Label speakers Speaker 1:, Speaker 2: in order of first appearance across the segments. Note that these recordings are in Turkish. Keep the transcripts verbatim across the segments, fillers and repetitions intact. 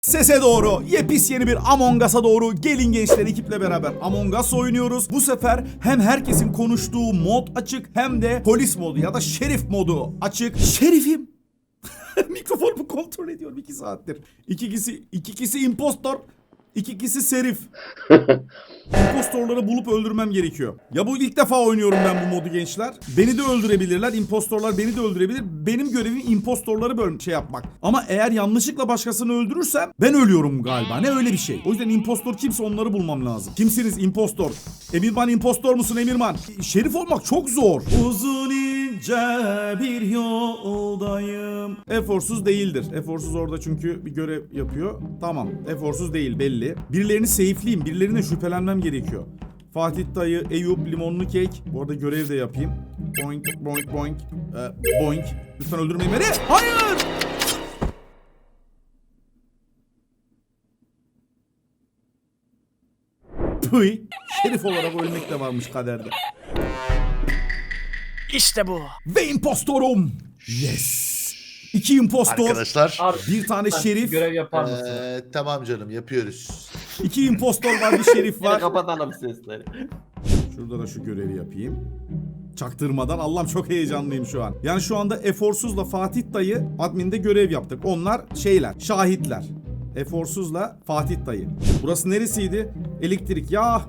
Speaker 1: Sese doğru, yepis yeni bir Among Us'a doğru gelin gençler, ekiple beraber Among Us oynuyoruz. Bu sefer hem herkesin konuştuğu mod açık hem de polis modu ya da şerif modu açık. Şerifim. Mikrofonumu kontrol ediyorum iki saattir. İki kişi, iki kişi impostor, iki kişi serif. İmpostorları bulup öldürmem gerekiyor. Ya bu ilk defa oynuyorum ben bu modu gençler. Beni de öldürebilirler. İmpostorlar beni de öldürebilir. Benim görevim impostorları böl şey yapmak. Ama eğer yanlışlıkla başkasını öldürürsem ben ölüyorum galiba. Ne öyle bir şey. O yüzden impostor kimse onları bulmam lazım. Kimsiniz impostor? Emirman impostor musun Emirman? Şerif olmak çok zor. Uzun ince bir yoldayım. Eforsuz değildir. Eforsuz orada çünkü bir görev yapıyor. Tamam. Eforsuz değil belli. Birilerini safe'liyim. Birilerine şüphelenmem gerekiyor. Fatih dayı, Eyüp, limonlu kek. Bu arada görev de yapayım. Boink, boink, boink. Ee, boink. Lütfen öldürmeyin beni. Hayır! Pıy. Şerif olarak ölmek de varmış kaderde.
Speaker 2: İşte bu.
Speaker 1: Ve impostorum. Yes. İki impostor.
Speaker 3: Arkadaşlar.
Speaker 4: Abi,
Speaker 1: Bir tane şerif.
Speaker 4: görev yapar mısın?
Speaker 3: Ee, tamam canım yapıyoruz.
Speaker 1: İki impostor var, bir şerif var.
Speaker 4: Kapatalım sesleri.
Speaker 1: Şurada da şu görevi yapayım. Çaktırmadan. Allah'ım çok heyecanlıyım şu an. Yani şu anda Eforsuz'la Fatih dayı adminde görev yaptık. Onlar şeyler, şahitler. Eforsuz'la Fatih dayı. Burası neresiydi? Elektrik. Ya.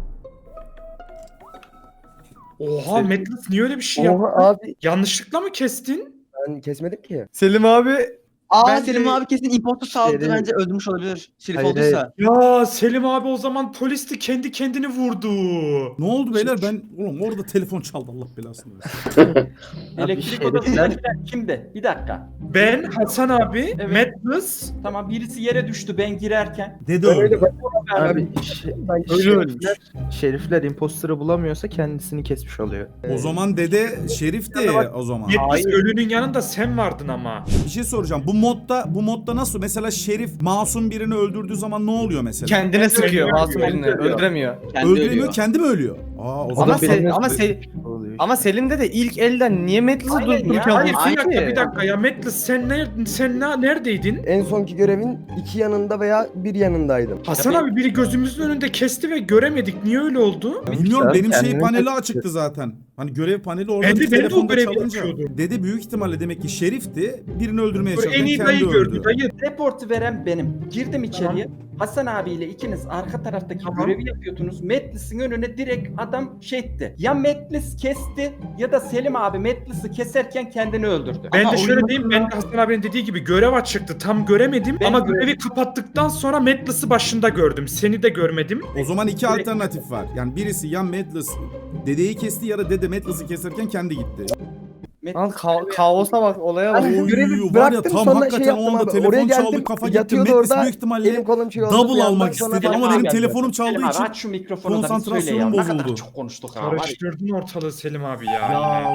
Speaker 4: Oha Metlis niye öyle bir şey
Speaker 5: Oha
Speaker 4: yaptın?
Speaker 5: abi
Speaker 4: Yanlışlıkla mı kestin?
Speaker 5: ben kesmedim ki.
Speaker 6: Selim abi.
Speaker 7: Aa
Speaker 6: Bence-
Speaker 7: Selim abi kesin impostor sağladı
Speaker 5: Şerif.
Speaker 7: bence öldürmüş olabilir. Şerif
Speaker 5: Hayır,
Speaker 7: olduysa.
Speaker 4: Ya Selim abi o zaman polisti kendi kendini vurdu.
Speaker 1: Ne oldu beyler? Ben oğlum orada telefon çaldı. Allah belasını versin.
Speaker 8: Elektrik
Speaker 5: Abi,
Speaker 8: odasındakiler kimdi? Bir dakika.
Speaker 4: Ben, Hasan abi,
Speaker 8: Evet.
Speaker 4: Metlis.
Speaker 8: Tamam birisi yere düştü ben girerken.
Speaker 1: Dede
Speaker 5: Öyle
Speaker 1: öldü.
Speaker 5: ben,
Speaker 6: Abi
Speaker 5: abi,
Speaker 6: şey,
Speaker 5: ben
Speaker 6: öyle
Speaker 5: şerifler,
Speaker 6: şerifler imposter'ı bulamıyorsa kendisini kesmiş oluyor.
Speaker 1: O zaman dede şerifti o zaman.
Speaker 4: Metlis
Speaker 5: Hayır.
Speaker 4: ölünün yanında sen vardın ama.
Speaker 1: Bir şey soracağım. Bu modda bu modda nasıl? Mesela şerif masum birini öldürdüğü zaman ne oluyor mesela?
Speaker 6: Kendine sıkıyor
Speaker 4: Öldüremiyor.
Speaker 6: masum birini, öldüremiyor.
Speaker 7: Kendi
Speaker 1: Öldüremiyor,
Speaker 7: ölüyor.
Speaker 1: kendi mi ölüyor? Aa, o
Speaker 6: Ama,
Speaker 1: zaman
Speaker 6: se ama,
Speaker 5: benim-
Speaker 6: se
Speaker 5: oluyor.
Speaker 6: ama Selim'de de ilk elden niye Metlis'i
Speaker 8: Aynen ya.
Speaker 6: durdururken
Speaker 4: Hayır
Speaker 6: vursun
Speaker 4: bir dakika
Speaker 6: ki?
Speaker 4: bir dakika ya Metlis sen ne sen ne, neredeydin?
Speaker 5: En sonki görevin iki yanında veya bir yanındaydım.
Speaker 4: Hasan abi biri gözümüzün önünde kesti ve göremedik. Niye öyle oldu?
Speaker 1: bilmiyorum,
Speaker 6: Sen
Speaker 1: benim şey
Speaker 6: kendini
Speaker 1: paneli
Speaker 6: kaçırdın.
Speaker 1: açıktı zaten. Hani görev paneli orada
Speaker 4: Ben de-
Speaker 1: bir
Speaker 4: ben de o
Speaker 1: telefonda
Speaker 4: görevi
Speaker 1: çalınca.
Speaker 4: yapıyordum.
Speaker 1: Dede büyük ihtimalle demek ki şerifti. Birini öldürmeye
Speaker 4: Böyle
Speaker 1: çalıştı.
Speaker 4: en iyi
Speaker 1: Kendi
Speaker 4: dayı
Speaker 1: öldü.
Speaker 4: gördü. Dayı.
Speaker 8: Reportu veren benim. Girdim içeriye. Hasan abiyle ikiniz arka taraftaki
Speaker 4: Tamam.
Speaker 8: görevi yapıyordunuz. Metlis'in önüne direkt adam şey etti. Ya Metlis kesti ya da Selim abi Metlis'i keserken kendini öldürdü.
Speaker 4: Ben
Speaker 7: Ama
Speaker 4: de şöyle
Speaker 7: oyunun-
Speaker 4: diyeyim, ben de Hasan abinin dediği gibi görev açıktı. Tam göremedim
Speaker 8: Ben
Speaker 4: ama
Speaker 8: görev-
Speaker 4: görevi kapattıktan sonra Metlis'i başında gördüm. Seni de görmedim.
Speaker 1: O zaman iki alternatif var. Yani birisi ya Madless dedeyi kesti ya da dede Madless'ı keserken kendi gitti.
Speaker 6: Lan ka kaosa bak, olaya bak.
Speaker 5: Ben
Speaker 1: Oy,
Speaker 5: görevi
Speaker 1: var ya
Speaker 5: bıraktım,
Speaker 1: tam
Speaker 5: sonra
Speaker 1: hakikaten
Speaker 5: şey yaptım
Speaker 1: o anda
Speaker 5: abi,
Speaker 1: telefon
Speaker 5: oraya
Speaker 1: çaldı,
Speaker 5: geldim,
Speaker 1: kafa gitti.
Speaker 5: yatıyordu
Speaker 1: Madless
Speaker 5: orada,
Speaker 1: büyük ihtimalle
Speaker 5: elim kolum şey oldu,
Speaker 1: double
Speaker 5: bir yandan
Speaker 1: almak
Speaker 5: sonra
Speaker 1: istedi
Speaker 5: ben
Speaker 1: ama
Speaker 5: abi
Speaker 1: benim
Speaker 5: geldim.
Speaker 1: telefonum çaldığı
Speaker 8: Selim abi
Speaker 1: için
Speaker 8: aç şu mikrofonu da bir söyle ya.
Speaker 1: konsantrasyonum
Speaker 8: Ne kadar
Speaker 1: bozuldu.
Speaker 8: çok konuştuk ha. var ya.
Speaker 4: Karıştırdın ortalığı Selim abi ya.
Speaker 1: Ya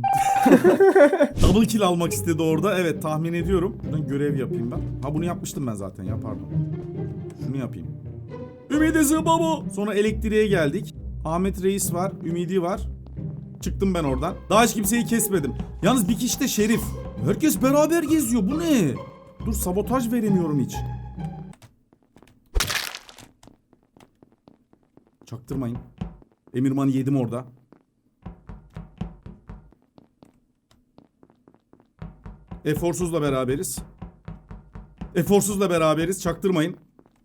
Speaker 4: yine.
Speaker 1: double kill almak istedi orada. Evet, tahmin ediyorum. Buradan görev yapayım ben. Ha, bunu yapmıştım ben zaten ya, pardon. Şunu yapayım. Ümidi Zıbabo. Sonra elektriğe geldik. Ahmet Reis var. Ümidi var. Çıktım ben oradan. Daha hiç kimseyi kesmedim. Yalnız bir kişi de şerif. Herkes beraber geziyor. Bu ne? Dur, sabotaj veremiyorum hiç. Çaktırmayın. Emirman'ı yedim orada. Eforsuz'la beraberiz. Eforsuz'la beraberiz. Çaktırmayın.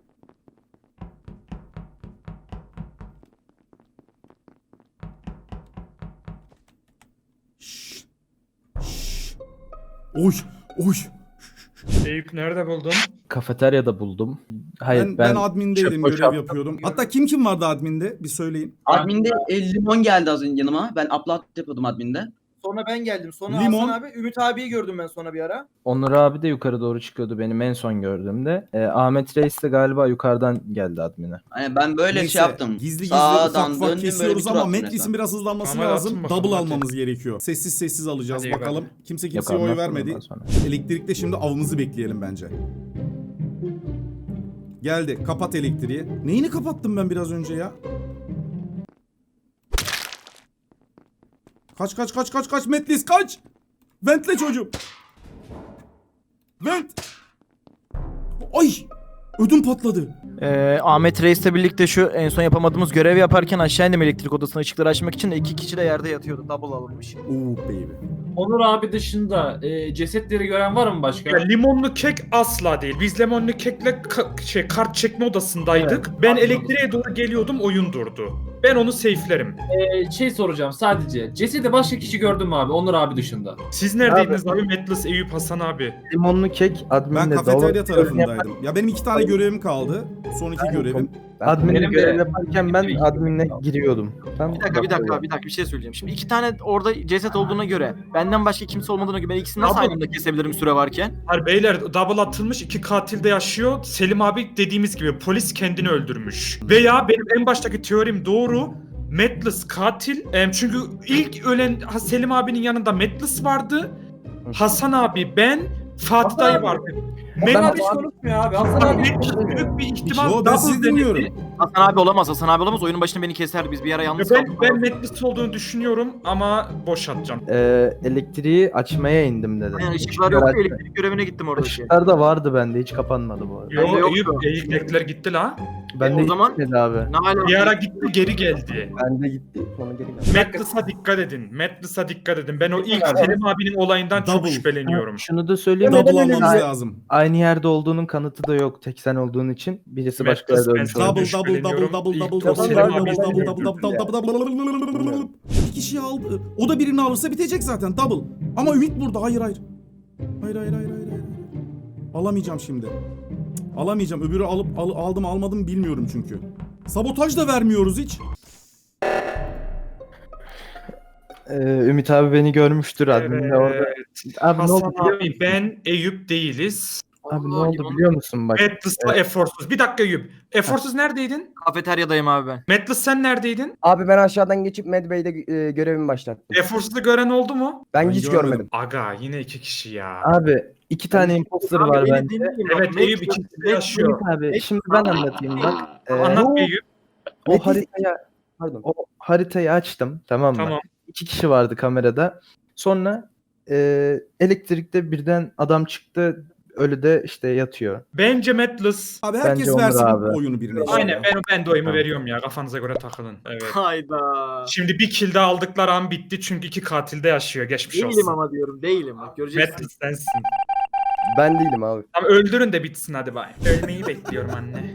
Speaker 1: Şşş. Şşş. Oy. Oy.
Speaker 4: Eyüp nerede buldun?
Speaker 6: Kafeteryada buldum. Hayır
Speaker 1: Ben,
Speaker 6: ben,
Speaker 1: ben admindeydim,
Speaker 6: çöp
Speaker 1: görev
Speaker 6: boşalttım.
Speaker 1: yapıyordum. Hatta kim kim vardı adminde? Bir söyleyin.
Speaker 7: Adminde e, limon geldi az önce yanıma. Ben upload yapıyordum adminde.
Speaker 9: Sonra ben geldim. Sonra
Speaker 1: Limon.
Speaker 9: Hasan abi, Ümit abiyi gördüm ben sonra bir ara.
Speaker 6: Onur abi de yukarı doğru çıkıyordu benim en son gördüğümde. Ee, Ahmet Reis de galiba yukarıdan geldi admine.
Speaker 7: Hani ben böyle
Speaker 1: Neyse,
Speaker 7: şey yaptım.
Speaker 1: Gizli gizli
Speaker 7: Sağdan
Speaker 1: ufak ufak
Speaker 7: döndüm böyle bir
Speaker 1: kesiyoruz
Speaker 7: tur
Speaker 1: ama
Speaker 7: attım
Speaker 1: Metris'in
Speaker 7: resmen.
Speaker 1: biraz hızlanması
Speaker 4: Tamam,
Speaker 1: lazım.
Speaker 4: atın bakalım,
Speaker 1: Double
Speaker 4: hadi.
Speaker 1: almamız gerekiyor. Sessiz sessiz alacağız
Speaker 4: Hadi
Speaker 1: bakalım.
Speaker 4: bakalım.
Speaker 1: Kimse
Speaker 6: Yok,
Speaker 1: kimseye oy
Speaker 6: anlattım
Speaker 1: vermedi.
Speaker 6: ondan sonra.
Speaker 1: Elektrikte şimdi avımızı bekleyelim bence. Geldi. Kapat elektriği. Neyini kapattım ben biraz önce ya? Kaç kaç kaç kaç kaç Metlis kaç! Ventle çocuğum. Vent. Ay! Ödüm patladı.
Speaker 2: Ee, Ahmet Reis'le birlikte şu en son yapamadığımız görevi yaparken aşağı indim elektrik odasına ışıkları açmak için de iki kişi de yerde yatıyordu. Double alınmış.
Speaker 1: Oo baby.
Speaker 10: Onur abi dışında e, cesetleri gören var mı başka?
Speaker 4: Ya limonlu kek asla değil. Biz limonlu kekle ka- şey kart çekme odasındaydık. ben elektriğe doğru geliyordum, oyun durdu. Ben onu safe'lerim.
Speaker 10: E, şey soracağım sadece. Cesedi başka kişi gördün mü abi? Onur abi dışında.
Speaker 4: Siz neredeydiniz abi? Metlis, Eyüp, Hasan abi.
Speaker 6: Limonlu kek adminle
Speaker 1: Ben
Speaker 6: dolu-
Speaker 1: kafeterya tarafındaydım. Ya benim iki tane görevim kaldı. Son iki görevim.
Speaker 6: Adminle
Speaker 10: Benim de-
Speaker 6: görev yaparken ben adminle giriyordum. Tam
Speaker 2: Bir dakika bir dakika bir dakika bir şey söyleyeceğim. Şimdi iki tane orada ceset olduğuna göre benden başka kimse olmadığına göre ben ikisini nasıl
Speaker 4: Abi-
Speaker 2: aynı anda kesebilirim süre varken?
Speaker 4: Hayır beyler, double atılmış, iki katil de yaşıyor. Selim abi dediğimiz gibi polis kendini öldürmüş. Veya benim en baştaki teorim doğru. Metlis katil. Em, çünkü ilk ölen Ha- Selim abinin yanında Metlis vardı. Hasan abi, ben, Fatih dayı vardı.
Speaker 8: Hasan abi
Speaker 4: Metlis
Speaker 8: hiç konuşmuyor abi. Hasan abi hiç
Speaker 4: Metlis büyük bir ihtimal
Speaker 1: Yo ben sizi
Speaker 4: double
Speaker 1: dinliyorum.
Speaker 4: denedi.
Speaker 2: Hasan abi olamaz Hasan abi olamaz oyunun başında beni keserdi biz bir ara yalnız
Speaker 4: Ben,
Speaker 2: kaldık.
Speaker 4: ben Metlis olduğunu düşünüyorum ama boş atacağım.
Speaker 6: Ee, elektriği açmaya indim dedi.
Speaker 2: Yani ışıklar yok elektrik görevine gittim oradaki.
Speaker 6: Işıklar da vardı bende, hiç kapanmadı bu arada.
Speaker 4: Yo,
Speaker 2: Bende yoktu.
Speaker 4: Eyüp, elektrikler gitti la.
Speaker 6: Bende
Speaker 2: o
Speaker 6: hiç
Speaker 2: zaman-
Speaker 6: gitmedi abi.
Speaker 2: Ne hala?
Speaker 4: Bir ara gitti, geri geldi.
Speaker 5: Bende gitti. Sonra geri geldi.
Speaker 4: Metlis'a dikkat edin. Metlis'a dikkat edin. Ben o ilk Selim abinin olayından çok
Speaker 1: Double.
Speaker 4: şüpheleniyorum.
Speaker 6: Şunu da söyleyeyim.
Speaker 1: Double
Speaker 6: mi?
Speaker 1: almamız lazım.
Speaker 6: Aynı yerde olduğunun kanıtı da yok. Tek sen olduğun için birisi
Speaker 4: Metlis,
Speaker 6: başka yerde
Speaker 4: ben
Speaker 6: ölmüş
Speaker 4: sana
Speaker 6: olabilir.
Speaker 1: Double double double
Speaker 4: şüpheleniyorum.
Speaker 1: double
Speaker 4: İlk
Speaker 1: double
Speaker 4: o
Speaker 1: double
Speaker 4: Selim
Speaker 1: double
Speaker 4: abi
Speaker 1: double
Speaker 4: öldürdü.
Speaker 1: double double double double double. Bir kişi aldı. O da birini alırsa bitecek zaten double. Ama Ümit burada. Hayır hayır. Hayır hayır hayır hayır. hayır. Alamayacağım şimdi. Cık, Alamayacağım. Öbürü alıp al- aldım almadım bilmiyorum çünkü. Sabotaj da vermiyoruz hiç.
Speaker 6: Ee, Ümit abi beni görmüştür adminle orada. Abi ne
Speaker 4: Hasan
Speaker 6: oldu? biliyor
Speaker 4: abi, ben, Eyüp değiliz.
Speaker 6: Abi ne oldu biliyor musun bak?
Speaker 4: Metlis'la Eforsuz. Bir dakika Eyüp. Eforsuz neredeydin?
Speaker 2: Kafeteryadayım abi ben.
Speaker 4: Metlis sen neredeydin?
Speaker 5: Abi ben aşağıdan geçip Medbay'de e, görevimi başlattım.
Speaker 4: Eforsuz'u gören oldu mu?
Speaker 5: Ben,
Speaker 1: Ben
Speaker 5: hiç
Speaker 1: görmedim.
Speaker 5: görmedim.
Speaker 4: Aga yine iki kişi ya.
Speaker 6: Abi iki tane imposter var
Speaker 2: beni
Speaker 6: bende.
Speaker 2: dinleyin bak,
Speaker 4: Evet
Speaker 2: Met-
Speaker 4: Eyüp ikisi de yaşıyor.
Speaker 6: Ümit abi şimdi ben anlatayım bak. Ee,
Speaker 4: Anlat Eyüp.
Speaker 6: o
Speaker 5: Metin-
Speaker 6: haritayı
Speaker 5: Pardon.
Speaker 6: o haritayı açtım, tamam mı?
Speaker 4: Tamam.
Speaker 6: İki kişi vardı kamerada. Sonra e, elektrikte birden adam çıktı. Ölü de işte yatıyor.
Speaker 4: Bence Metlis.
Speaker 1: Abi herkes
Speaker 6: Bence Onur
Speaker 1: versin
Speaker 6: abi.
Speaker 1: oyunu birine. işte
Speaker 4: Aynen
Speaker 1: ya.
Speaker 4: ben, ben de oyumu veriyorum ya. Kafanıza göre takılın. Evet.
Speaker 2: Hayda.
Speaker 4: Şimdi bir kill daha aldıkları an bitti çünkü iki katil de yaşıyor. Geçmiş
Speaker 2: Değilim
Speaker 4: olsun.
Speaker 2: ama diyorum değilim bak göreceksin.
Speaker 4: Metlis sensin.
Speaker 5: Ben değilim abi.
Speaker 4: Tamam öldürün de bitsin hadi bay. Ölmeyi bekliyorum anne.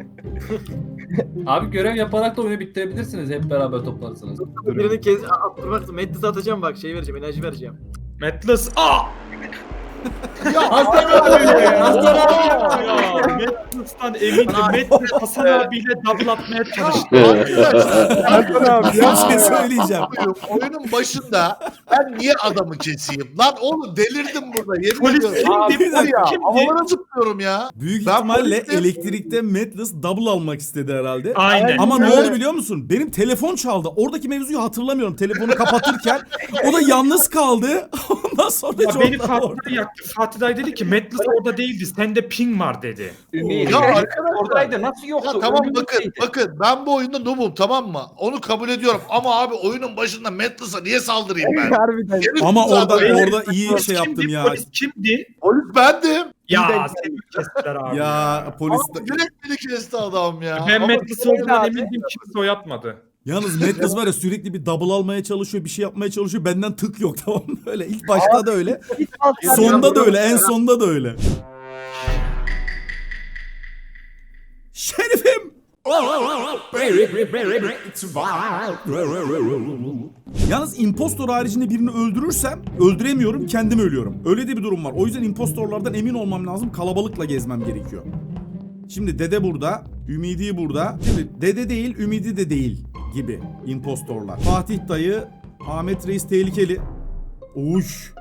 Speaker 10: Abi görev yaparak da oyunu bitirebilirsiniz. Hep beraber toplanırsınız.
Speaker 2: Birini kez attırmak Metlis'e atacağım bak şey vereceğim enerji vereceğim.
Speaker 4: Metlis. Aa!
Speaker 10: Hasan abi! Hasan abi!
Speaker 4: Ya Metlis'ten eminim. Metlis Hasan abiyle double atmaya çalıştı.
Speaker 1: Bir şey söyleyeceğim.
Speaker 3: Oyunun başında ben niye adamı keseyim? Lan oğlum delirdim burada. Yemin
Speaker 4: Polis
Speaker 3: ediyorum.
Speaker 4: kimdi?
Speaker 1: bir dakika.
Speaker 3: Ya,
Speaker 4: Kimdi?
Speaker 3: havalara zıplıyorum ya.
Speaker 1: Büyük
Speaker 3: Ben
Speaker 1: ihtimalle
Speaker 3: polisim.
Speaker 1: elektrikte Metlis double almak istedi herhalde.
Speaker 4: Aynen.
Speaker 1: Ama ne
Speaker 3: Evet.
Speaker 1: oldu biliyor musun? Benim telefon çaldı. Oradaki mevzuyu hatırlamıyorum. Telefonu kapatırken o da yalnız kaldı. Ondan sonra
Speaker 4: Ya beni
Speaker 1: Jordan
Speaker 4: Fatih
Speaker 1: orada.
Speaker 4: Dayı yaktı. Fatih Dayı dedi ki Metlis orada değildi. Sende ping var dedi.
Speaker 8: Ümit.
Speaker 3: Ya
Speaker 8: Ya,
Speaker 3: arkadaşlar.
Speaker 8: oradaydı. Nasıl yoktu?
Speaker 3: Ya tamam
Speaker 8: Ölüm
Speaker 3: bakın
Speaker 8: neydi?
Speaker 3: bakın ben bu oyunda noobum tamam mı? Onu kabul ediyorum ama abi oyunun başında Metlis'a niye saldırayım ben?
Speaker 5: Harbiden.
Speaker 3: Yemin
Speaker 1: Ama
Speaker 3: ederim
Speaker 1: orada
Speaker 3: zaten-
Speaker 1: orada iyi
Speaker 4: Polis
Speaker 1: şey
Speaker 4: kimdi?
Speaker 1: yaptım ya.
Speaker 4: Polis kimdi?
Speaker 3: Polis bendim.
Speaker 4: Ya seni kestiler abi.
Speaker 1: Ya polis
Speaker 3: Ama direkt beni kesti adam ya.
Speaker 4: Ben
Speaker 3: Ama
Speaker 4: Metlis olduğundan emindim, kimse o yapmadı.
Speaker 1: Yalnız Metlis var ya sürekli bir double almaya çalışıyor, bir şey yapmaya çalışıyor. Benden tık yok tamam mı? Böyle ilk başta da öyle. Sonda da öyle, en sonda da öyle. Şerifim! Yalnız impostor haricinde birini öldürürsem öldüremiyorum, kendim ölüyorum. Öyle de bir durum var. O yüzden impostorlardan emin olmam lazım. Kalabalıkla gezmem gerekiyor. Şimdi Dede burada, Ümidi burada. Şimdi Dede değil, Ümidi de değil gibi impostorlar. Fatih dayı, Ahmet Reis tehlikeli. Uş.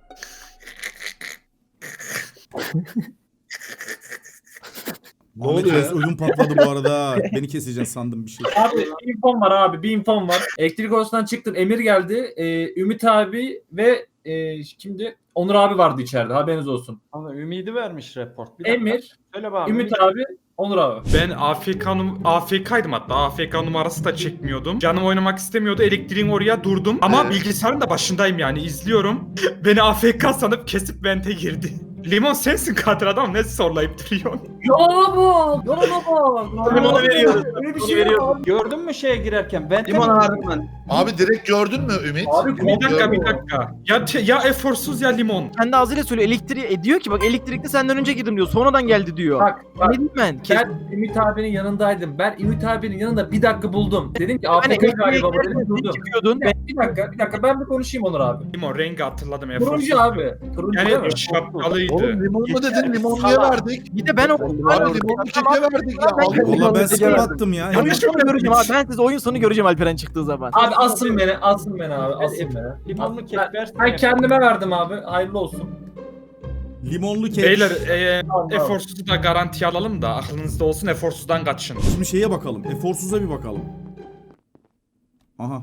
Speaker 3: Ne
Speaker 1: Ahmet
Speaker 3: oluyor
Speaker 1: Reis
Speaker 3: ya?
Speaker 1: ödüm patladı bu arada. Beni keseceksin sandım bir şey.
Speaker 10: Abi bir infom var abi bir infom var. Elektrik odasından çıktın Emir geldi. Ee, Ümit abi ve e, kimdi? Onur abi vardı içeride haberiniz olsun.
Speaker 8: Ama Ümidi vermiş report. Bir dakika.
Speaker 10: Emir,
Speaker 8: Söyle bana.
Speaker 10: Ümit abi, Onur abi.
Speaker 4: Ben A F K, num A F K'ydım hatta. A F K numarası da çekmiyordum. Canım oynamak istemiyordu. Elektriğin oraya durdum. Ama
Speaker 3: Evet.
Speaker 4: bilgisayarın da başındayım yani izliyorum. Beni A F K sanıp kesip vente girdi. Limon sensin katil adam ne zorlayıp duruyorsun?
Speaker 10: Yolana bak! Yolana bak!
Speaker 9: Limonu veriyoruz.
Speaker 10: Öyle bir
Speaker 9: Limonu
Speaker 10: şey
Speaker 9: veriyoruz.
Speaker 10: yok.
Speaker 8: Gördün mü şeye girerken? Ben
Speaker 7: Limon verdim ben.
Speaker 3: Abi direkt gördün mü Ümit?
Speaker 10: Abi
Speaker 4: Bir dakika bir dakika. Ya te- ya eforsuz ya limon.
Speaker 2: Kendi ağzıyla söylüyor elektriği e, diyor ki bak elektrikte senden önce girdim diyor. Sonradan geldi diyor.
Speaker 10: Bak
Speaker 2: Ne
Speaker 10: bak.
Speaker 2: diyeyim ben? Kes-
Speaker 10: Ben Ümit abinin yanındaydım. Ben Ümit abinin yanında bir dakika buldum. Dedim ki
Speaker 2: Hani
Speaker 10: A F K
Speaker 2: elektriğe
Speaker 10: galiba bu
Speaker 2: girerken
Speaker 10: dedim
Speaker 2: sen
Speaker 10: durdum.
Speaker 2: çıkıyordun.
Speaker 10: Bir dakika, bir dakika, bir dakika ben bir konuşayım Onur abi.
Speaker 4: Limon rengi hatırladım eforsuz.
Speaker 10: Turuncu abi. Turuncu değil mi?
Speaker 4: Yani şapkalıydı.
Speaker 3: Oğlum limon mu dedin? Limon niye verdik?
Speaker 2: Bir de ben o
Speaker 3: Abi limon mu keke verdik ya? Allah
Speaker 1: Valla
Speaker 3: Allah.
Speaker 1: ben skip attım ya.
Speaker 2: oyun sonu göreceğim abi. Ben size oyun sonu göreceğim Alperen çıktığı zaman.
Speaker 10: Abi asın beni, asın beni abi, asın beni.
Speaker 8: Limonlu kek
Speaker 10: Ben,
Speaker 8: versene.
Speaker 10: ben kendime verdim abi, hayırlı olsun.
Speaker 1: Limonlu kek.
Speaker 4: Beyler e,
Speaker 10: Tamam.
Speaker 4: eforsuzu da garantiye alalım da aklınızda olsun eforsuzdan kaçın.
Speaker 1: Şimdi şeye bakalım. Eforsuz'a bir bakalım. Aha.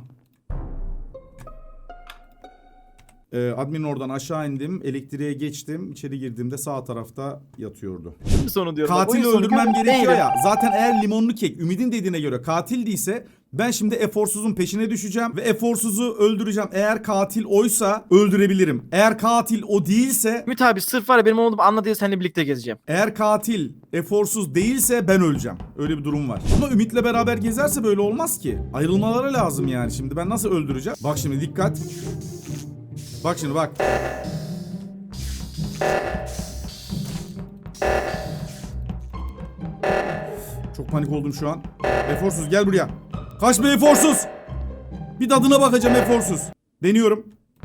Speaker 1: Ee, admin oradan aşağı indim. Elektriğe geçtim. İçeri girdiğimde sağ tarafta yatıyordu.
Speaker 2: Oyun sonu diyorum. Bak,
Speaker 1: Katili
Speaker 2: oyun sonu
Speaker 1: öldürmem
Speaker 2: göreceğim.
Speaker 1: gerekiyor
Speaker 2: Neydi?
Speaker 1: ya. Zaten eğer limonlu kek Ümit'in dediğine göre katil değilse ben şimdi eforsuzun peşine düşeceğim ve eforsuzu öldüreceğim. Eğer katil oysa öldürebilirim. Eğer katil o değilse,
Speaker 2: Ümit abi sırf var ya benim olduğumu anla diye seninle birlikte gezeceğim.
Speaker 1: eğer katil eforsuz değilse ben öleceğim. Öyle bir durum var. Ama Ümit'le beraber gezerse böyle olmaz ki. Ayrılmaları lazım yani. Şimdi ben nasıl öldüreceğim? Bak şimdi dikkat. Bak şimdi bak. Çok panik oldum şu an. Eforsuz gel buraya. Kaçma eforsuz. Bir tadına bakacağım eforsuz. Deniyorum.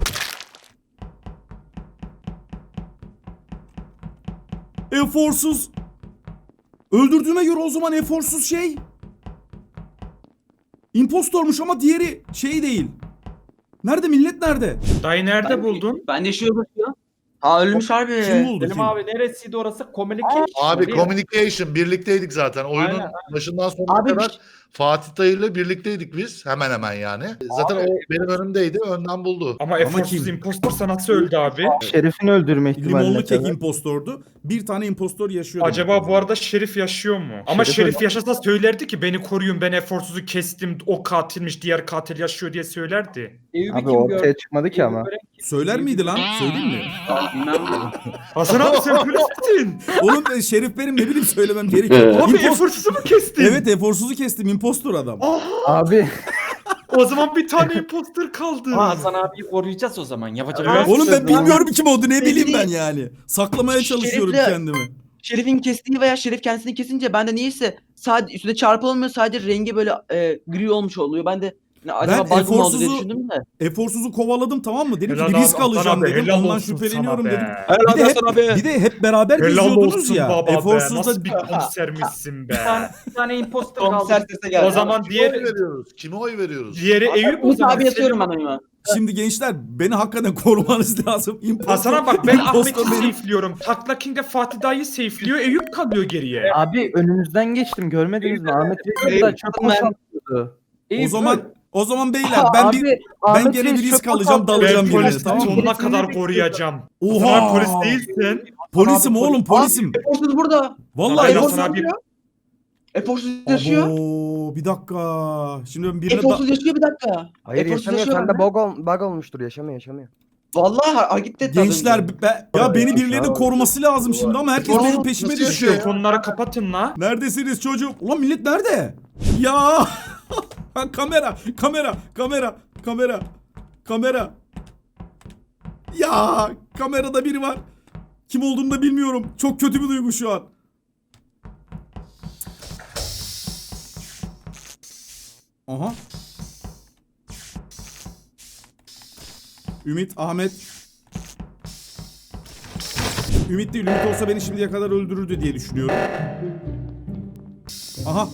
Speaker 1: Eforsuz. Öldürdüğüme göre o zaman eforsuz şey. İmpostormuş ama diğeri şey değil. Nerede millet nerede?
Speaker 4: Dayı nerede buldun?
Speaker 7: Ben de şey bakıyor. Ha ölmüş harbi.
Speaker 1: Kim buldu
Speaker 8: Selim
Speaker 1: kim?
Speaker 8: abi neresiydi orası? Communication.
Speaker 3: Abi
Speaker 8: değil mi?
Speaker 3: communication birlikteydik zaten. Oyunun
Speaker 8: Aynen,
Speaker 3: başından sonuna
Speaker 7: Abi
Speaker 3: kadar
Speaker 7: bir-
Speaker 3: Fatih dayıyla birlikteydik biz. Hemen hemen yani. Zaten o benim önümdeydi. Önden buldu.
Speaker 4: Ama eforsuz
Speaker 1: kim?
Speaker 4: impostorsa nasıl öldü abi?
Speaker 6: Şerif'in öldürme ihtimali
Speaker 1: Limonlu
Speaker 6: ne
Speaker 1: kek
Speaker 6: kadar?
Speaker 1: impostordu. Bir tane impostor yaşıyor.
Speaker 4: Acaba bu arada Şerif yaşıyor mu? Ama
Speaker 6: Şerif
Speaker 4: Şerif
Speaker 6: öldü.
Speaker 4: yaşasa söylerdi ki beni koruyun ben eforsuzu kestim o katilmiş diğer katil yaşıyor diye söylerdi.
Speaker 8: Eyüp'ü
Speaker 6: Abi
Speaker 8: kim
Speaker 6: ortaya
Speaker 8: gördü?
Speaker 6: çıkmadı ki
Speaker 8: Eyüp'ü
Speaker 6: ama.
Speaker 8: gören kim?
Speaker 1: Söyler miydi lan? Söyleyeyim mi?
Speaker 7: Bilmem.
Speaker 4: Hasan abi sen polissin.
Speaker 1: Oğlum ben Şerif benim ne bileyim söylemem gerekiyor.
Speaker 4: Abi
Speaker 1: İmpos-
Speaker 4: eforsuzu mu kestin?
Speaker 1: Evet eforsuzu kestim impostor adam.
Speaker 6: Abi
Speaker 4: O zaman bir tane impostor kaldı.
Speaker 8: Ama Hasan abiyi koruyacağız o zaman. Yapacak
Speaker 4: Evet.
Speaker 8: bir şey
Speaker 1: Oğlum
Speaker 8: yok.
Speaker 1: ben bilmiyorum kim oldu ne bileyim
Speaker 7: Belli
Speaker 1: ben
Speaker 7: değil.
Speaker 1: yani. Saklamaya çalışıyorum
Speaker 7: Şerif'le-
Speaker 1: kendimi.
Speaker 7: Şerif'in kestiği veya Şerif kendisini kesince ben de niyeyse sadece üstünde çarpı olmuyor, sadece rengi böyle e, gri olmuş oluyor. Ben de ne, acaba
Speaker 1: Ben
Speaker 7: bug mı oldu diye
Speaker 1: eforsuzu-
Speaker 7: düşündüm de.
Speaker 1: Eforsuzu kovaladım tamam mı? Dedim
Speaker 4: Helal
Speaker 1: ki
Speaker 4: abi,
Speaker 1: risk
Speaker 4: Hasan
Speaker 1: alacağım
Speaker 4: abi,
Speaker 1: dedim.
Speaker 4: helal
Speaker 1: Ondan
Speaker 4: olsun
Speaker 1: şüpheleniyorum
Speaker 4: sana be.
Speaker 1: dedim.
Speaker 8: Helal
Speaker 1: Bir de, hep,
Speaker 8: olsun abi.
Speaker 1: bir de hep beraber
Speaker 4: Helal
Speaker 1: geziyordunuz
Speaker 4: olsun
Speaker 1: ya.
Speaker 4: baba be.
Speaker 1: Eforsuzda
Speaker 4: Nasıl bir komisermişsin be.
Speaker 8: Bir tane, bir tane imposter kaldı.
Speaker 7: Komiser sese geldi.
Speaker 4: O zaman
Speaker 3: Kime oy
Speaker 4: diğer
Speaker 3: veriyoruz? Kime oy veriyoruz?
Speaker 4: diğeri Eyüp o
Speaker 7: Umut
Speaker 4: zaman.
Speaker 7: abi yatıyorum
Speaker 4: Selim-
Speaker 7: ben oyuna.
Speaker 1: şimdi gençler beni hakikaten korumanız lazım. Impostor,
Speaker 4: Hasan'a bak ben Ahmet'i
Speaker 1: impostor benim.
Speaker 4: safe'liyorum. Takla King'e Fatih dayı safe'liyor. Eyüp kalıyor geriye.
Speaker 6: abi önünüzden geçtim görmediniz mi? Ahmet Reis
Speaker 7: Eyüp-
Speaker 6: burada çok boşaltıyordu.
Speaker 1: O zaman o zaman beyler ben bir ben
Speaker 6: Ahmet
Speaker 1: gene
Speaker 6: Reis
Speaker 1: bir risk
Speaker 6: çok
Speaker 1: alacağım
Speaker 6: boşaltıyor.
Speaker 1: dalacağım
Speaker 4: Ben
Speaker 1: birine
Speaker 4: polisi
Speaker 1: tamam mı?
Speaker 4: sonuna kadar koruyacağım.
Speaker 1: Oha!
Speaker 4: Hasan abi polis değilsin.
Speaker 1: Polisim
Speaker 4: Hasan abi
Speaker 1: oğlum polisim.
Speaker 7: Eforsuz burada.
Speaker 1: Vallahi
Speaker 4: Hasan
Speaker 7: Eforsuz
Speaker 4: abi-
Speaker 7: yaşıyor. Eforsuz yaşıyor.
Speaker 1: Abo, bir dakika. Şimdi ben birine da-
Speaker 7: Eforsuz yaşıyor bir dakika.
Speaker 5: Hayır
Speaker 7: Eforsuz
Speaker 5: yaşamıyor.
Speaker 7: yaşıyor
Speaker 5: Sende
Speaker 7: abi.
Speaker 5: bug, ol, bug olmuştur. Yaşamıyor yaşamıyor.
Speaker 7: Vallahi ha, hareket etti az
Speaker 1: gençler
Speaker 7: önce.
Speaker 1: be- ya beni birilerinin koruması lazım şimdi ama herkes
Speaker 3: Oğlum,
Speaker 1: benim peşime
Speaker 3: nasıl
Speaker 1: düşüyor.
Speaker 3: yaşıyor?
Speaker 4: Telefonları kapatın la.
Speaker 1: Neredesiniz çocuğum? Ulan millet nerede? Ya kamera, kamera, kamera, kamera, kamera. Ya kamerada biri var. Kim olduğunu da bilmiyorum. Çok kötü bir duygu şu an. Aha. Ümit, Ahmet. Ümit değil. Ümit olsa beni şimdiye kadar öldürürdü diye düşünüyorum. Aha.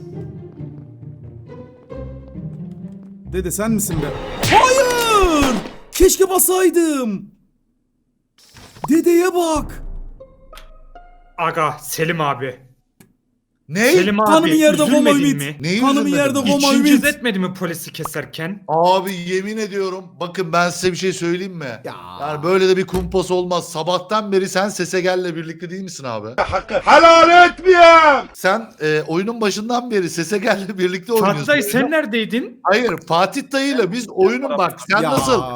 Speaker 1: Dede sen misin be? Hayır! Keşke basaydım. Dedeye bak.
Speaker 4: Aga Selim abi.
Speaker 3: Ne?
Speaker 4: Selim abi
Speaker 1: Kanımı yerde koma
Speaker 4: üzülmedin
Speaker 1: Ümit.
Speaker 4: mi?
Speaker 3: Neyi
Speaker 1: Kanımı
Speaker 3: üzülmedin?
Speaker 1: yerde koma
Speaker 4: İçin
Speaker 1: Ümit.
Speaker 4: cız etmedi mi polisi keserken?
Speaker 3: Abi yemin ediyorum. Bakın ben size bir şey söyleyeyim mi?
Speaker 1: Ya.
Speaker 3: Yani böyle de bir kumpas olmaz. Sabahtan beri sen Sesegell'le birlikte değil misin abi?
Speaker 11: Helal etmiyorum.
Speaker 3: Sen e, oyunun başından beri Sesegell'le birlikte oynuyorsun.
Speaker 4: Fatih dayı sen neredeydin?
Speaker 3: Hayır Fatih dayıyla biz oyunun bak sen
Speaker 1: Ya.
Speaker 3: nasıl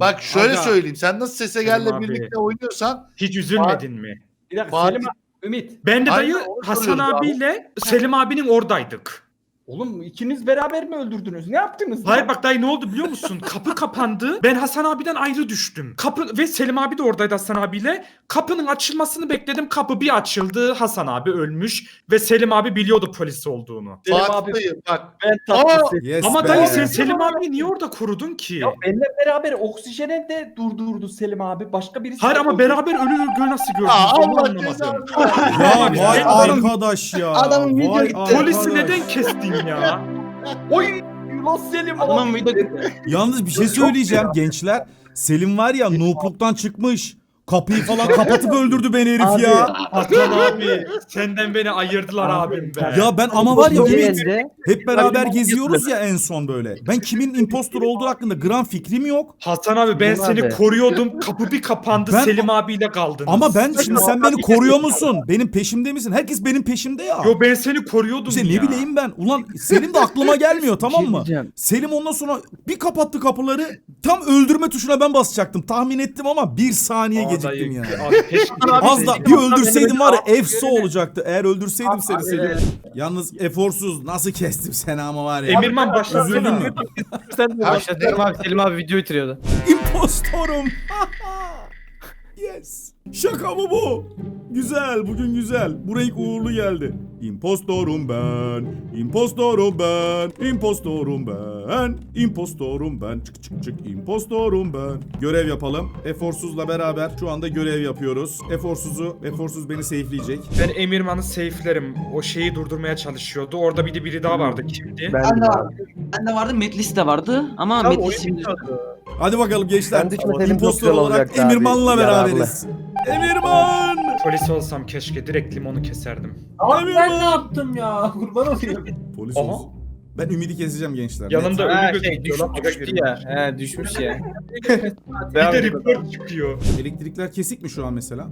Speaker 3: Bak şöyle
Speaker 4: Aga.
Speaker 3: söyleyeyim. Sen nasıl Sese Gel'le
Speaker 4: Selim abi.
Speaker 3: birlikte oynuyorsan
Speaker 4: Hiç üzülmedin mi?
Speaker 8: Bir dakika
Speaker 3: Fatih-
Speaker 8: Selim abi, Ümit.
Speaker 4: Ben de
Speaker 3: Aynen,
Speaker 4: dayı
Speaker 3: onu
Speaker 4: Hasan
Speaker 3: soruyoruz abi.
Speaker 4: abiyle Selim abinin oradaydık.
Speaker 8: Oğlum ikiniz beraber mi öldürdünüz? Ne yaptınız?
Speaker 4: Hayır
Speaker 8: lan?
Speaker 4: bak dayı ne oldu biliyor musun? Kapı kapandı. Ben Hasan abiden ayrı düştüm. Kapı ve Selim abi de oradaydı Hasan abiyle. Kapının açılmasını bekledim. Kapı bir açıldı. Hasan abi ölmüş ve Selim abi biliyordu polis olduğunu.
Speaker 8: Selim
Speaker 3: Fatih
Speaker 8: abi
Speaker 3: dayı bak.
Speaker 8: ben tatlısı.
Speaker 1: Yes
Speaker 4: Ama
Speaker 1: be.
Speaker 4: dayı sen Selim abiyi niye orada korudun ki?
Speaker 8: Ya benimle beraber oksijene de durdurdu Selim abi. Başka birisi.
Speaker 4: Hayır ama beraber ölü ölü nasıl gördünüz?
Speaker 3: Aa,
Speaker 4: Onu
Speaker 3: Allah
Speaker 4: anlamadım.
Speaker 3: cezanı.
Speaker 1: Ya
Speaker 4: Abi,
Speaker 1: vay
Speaker 4: ben-
Speaker 1: arkadaş ya.
Speaker 7: Adamın video
Speaker 1: Vay
Speaker 7: gitti.
Speaker 1: arkadaş.
Speaker 4: Polisi neden kestin ya?
Speaker 8: Oy! Los Selim
Speaker 7: Adamın
Speaker 8: abi.
Speaker 7: video
Speaker 1: Yalnız bir şey söyleyeceğim gençler. Selim var ya noopluktan çıkmış. Kapıyı falan kapatıp öldürdü beni herif
Speaker 8: Abi.
Speaker 1: ya.
Speaker 4: Hasan abi senden beni ayırdılar abim be.
Speaker 1: Ya ben ama var ya
Speaker 6: İkinci
Speaker 1: Ümit
Speaker 6: elde
Speaker 1: hep beraber geziyoruz ya en son böyle. Ben kimin impostor olduğu hakkında gram fikrim yok.
Speaker 4: Hasan abi ben
Speaker 6: Selim
Speaker 4: seni
Speaker 6: abi.
Speaker 4: koruyordum. Kapı bir kapandı.
Speaker 1: Ben-
Speaker 4: Selim abiyle kaldınız.
Speaker 1: Ama ben şimdi sen beni koruyor musun? Benim peşimde misin? Herkes benim peşimde ya.
Speaker 4: Yo ben seni koruyordum
Speaker 1: İşte
Speaker 4: ya.
Speaker 1: ne bileyim ben. Ulan Selim de aklıma gelmiyor tamam
Speaker 6: Bir şey
Speaker 1: mı?
Speaker 6: diyeceğim.
Speaker 1: Selim ondan sonra bir kapattı kapıları. Tam öldürme tuşuna ben basacaktım. Tahmin ettim ama bir saniye
Speaker 4: Aa,
Speaker 1: geciktim
Speaker 4: dayı,
Speaker 1: yani.
Speaker 4: Abi, keşke-
Speaker 1: Az da bir öldürseydim var ya
Speaker 8: Abi,
Speaker 1: efso olacaktı. Eğer öldürseydim seni
Speaker 8: Abi,
Speaker 1: Selim. Yalnız eforsuz nasıl kestim seni ama var ya.
Speaker 4: Emirman başlasana.
Speaker 1: Üzüldün mü?
Speaker 6: Sen de başla. Selim abi, Selim abi video bitiriyordu.
Speaker 1: İmpostorum. Yes. Şaka mı bu? Güzel, bugün güzel. Buraya ilk uğurlu geldi. İmpostorum ben, impostorum ben, impostorum ben, impostorum ben. Çık çık çık, impostorum ben. Görev yapalım. Eforsuz'la beraber şu anda görev yapıyoruz. Eforsuz'u, Eforsuz beni safe'leyecek.
Speaker 4: Ben Emirman'ı safe'lerim. O şeyi durdurmaya çalışıyordu. Orada bir de biri daha vardı. Kimdi?
Speaker 6: Ben
Speaker 7: Ben de
Speaker 6: de
Speaker 7: vardı. Ben de vardı. Metlis de vardı. Ama
Speaker 6: Tamam,
Speaker 7: Metlis
Speaker 6: oyun
Speaker 7: şimdi...
Speaker 1: Hadi bakalım gençler.
Speaker 6: Ben düşünmeseydim çok
Speaker 1: İmpostor
Speaker 6: güzel
Speaker 1: olarak
Speaker 6: olacaktı abi.
Speaker 1: Emirman'la
Speaker 6: Yararlı.
Speaker 1: beraberiz. Emirman!
Speaker 4: Polis olsam keşke direkt limonu keserdim.
Speaker 10: Abi ben ne yaptım ya? Kurban olayım.
Speaker 1: Polis
Speaker 4: Aha.
Speaker 1: olsun. Ben Ümidi keseceğim gençler.
Speaker 4: Yanında
Speaker 9: Ha,
Speaker 4: ölü
Speaker 9: şey,
Speaker 4: gözüküyor lan.
Speaker 9: düşmüş, düştü ya. He düşmüş ya.
Speaker 4: Bir de report çıkıyor.
Speaker 1: Elektrikler kesik mi şu an mesela?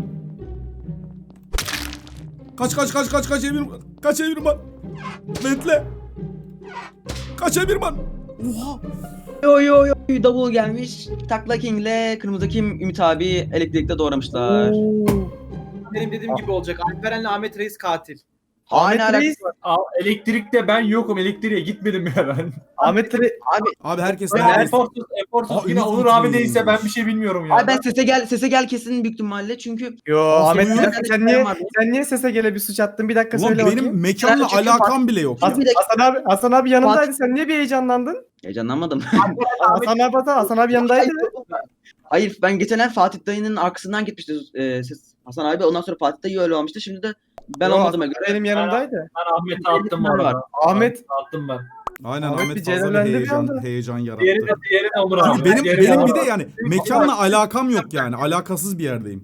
Speaker 1: Kaç kaç kaç kaç kaç Emirman. Kaç Emirman. Bekle. Kaç Emirman. Oha.
Speaker 7: Yo yo yo double gelmiş. Takla King'le Kırmızı Kim Ümit abi elektrikte doğramışlar.
Speaker 9: Benim dediğim gibi olacak. Alperen'le Ahmet Reis katil.
Speaker 7: Aynı alakası var.
Speaker 10: Aa, elektrikte ben yokum. Elektriğe gitmedim ya ben.
Speaker 6: Ahmet Re-
Speaker 1: Abi herkes
Speaker 10: Ben
Speaker 1: neredeyse.
Speaker 10: Eforsuz, Eforsuz
Speaker 1: Aa,
Speaker 10: yine
Speaker 1: Ümit
Speaker 10: Onur abi
Speaker 1: gitmiyor.
Speaker 10: değilse ben bir şey bilmiyorum ya.
Speaker 7: Abi ben sese gel sese gel kesin büyük ihtimalle çünkü
Speaker 6: Yo
Speaker 1: Nasıl
Speaker 6: Ahmet
Speaker 1: uyuyor?
Speaker 6: bir dakika, sen niye sen niye sese gele bir suç attın? Bir dakika
Speaker 1: Ulan
Speaker 6: söyle
Speaker 1: benim
Speaker 6: bakayım.
Speaker 1: mekanla
Speaker 7: Ben çünkü
Speaker 1: alakam bile yok ya.
Speaker 7: bir dakika
Speaker 6: Hasan abi Hasan abi yanındaydı. Sen niye bir heyecanlandın?
Speaker 7: heyecanlanmadım.
Speaker 6: Hasan abi Hasan, Hasan abi yanındaydı.
Speaker 7: Hayır ben geçen el Fatih dayının arkasından gitmişti e, ses Hasan abi ondan sonra Fatih dayı öyle olmuştu şimdi de ben
Speaker 6: Yo,
Speaker 7: olmadığıma
Speaker 6: Hasan
Speaker 7: göre
Speaker 6: benim yanımdaydı.
Speaker 10: Ben Ahmet'e attım bu arada.
Speaker 6: Ahmet
Speaker 10: Attım ben.
Speaker 1: Aynen
Speaker 6: Ahmet
Speaker 1: Ahmet
Speaker 6: bir
Speaker 1: fazla bir
Speaker 6: celallendi bir
Speaker 1: heyecan,
Speaker 6: anda.
Speaker 1: heyecan yarattı.
Speaker 10: Diğeri de, diğeri de Onur abi.
Speaker 1: Çünkü benim
Speaker 10: Diğeri
Speaker 1: benim
Speaker 10: de-
Speaker 1: bir de yani mekanla alakam yok yani. Alakasız bir yerdeyim.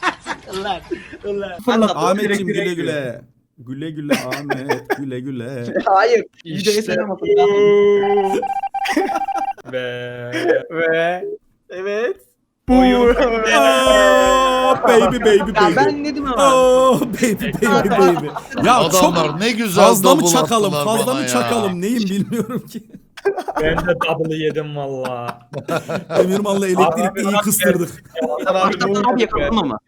Speaker 1: Ahmetciğim güle güle. Güle güle Ahmet. Güle güle.
Speaker 7: hayır
Speaker 4: İşte
Speaker 7: videoya selam atın.
Speaker 4: Ve
Speaker 6: Ve evet.
Speaker 1: Oh, baby baby
Speaker 7: Ya
Speaker 1: baby.
Speaker 7: ben ne dedim ama.
Speaker 1: Oh baby baby baby. Ya
Speaker 3: Adamlar
Speaker 1: çok
Speaker 3: ne güzel
Speaker 1: fazla mı
Speaker 3: double
Speaker 1: çakalım?
Speaker 3: attılar
Speaker 1: Fazla
Speaker 3: bana
Speaker 1: mı
Speaker 3: ya.
Speaker 1: çakalım? Neyim bilmiyorum ki.
Speaker 4: ben de double'ı yedim valla.
Speaker 1: Emirman'la elektrikte iyi kıstırdık.
Speaker 6: Hasan abi
Speaker 7: Başta abi yakaladım ama.